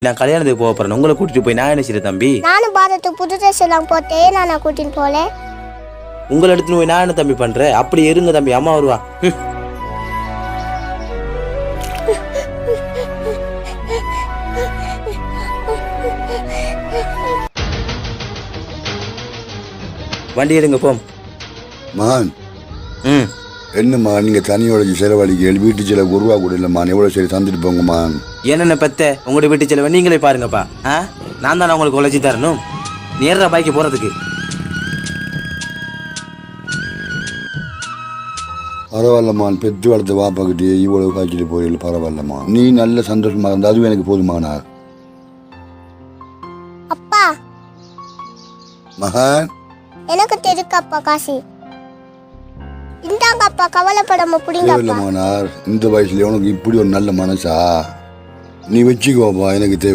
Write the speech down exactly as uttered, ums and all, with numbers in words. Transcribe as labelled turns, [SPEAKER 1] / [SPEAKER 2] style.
[SPEAKER 1] நான் கல்யாணத்துக்கு போக போறேன். உங்களை கூட்டிட்டு போய் நான் என்ன செய்யறேன் தம்பி?
[SPEAKER 2] நானும் பாரத்துக்கு புது ட்ரெஸ் எல்லாம் போட்டேன். நான் கூட்டின்னு போல.
[SPEAKER 1] உங்களை எடுத்துன்னு போய் நான் என்ன தம்பி பண்றேன்? அப்படி இருங்க தம்பி, அம்மா வருவா. வண்டி எடுங்க போம்.
[SPEAKER 3] மான்
[SPEAKER 1] ம்
[SPEAKER 3] என்னம்மா நீங்க தனியோட செலவழிக்க வீட்டு செலவு ஒரு ரூபா கூட இல்லம்மா, எவ்வளவு சரி தந்துட்டு போங்கம்மா.
[SPEAKER 1] என்னென்ன பெத்த உங்களுடைய வீட்டு செலவை நீங்களே பாருங்கப்பா. ஆ நான் தானே உங்களுக்கு உழைச்சி தரணும். நேர்ற பாய்க்கு போறதுக்கு.
[SPEAKER 3] பரவாயில்லம்மா, பெற்று வளர்த்து வாப்பாக்கிட்டே இவ்வளவு காய்ச்சிட்டு போயிடல. பரவாயில்லம்மா, நீ நல்ல சந்தோஷமா இருந்தா அதுவும் எனக்கு போதுமானார்.
[SPEAKER 2] அப்பா
[SPEAKER 3] மகன்
[SPEAKER 2] எனக்கு தெரியுக்கப்பா காசு. இந்தாங்க அப்பா, கவலைப்படாம புடிங்க அப்பா.
[SPEAKER 3] தேவையில்லமானார், இந்த வயசுல உனக்கு இப்படி ஒரு நல்ல மனசா? நீ வச்சுக்கோப்பா, எனக்கு தேவை.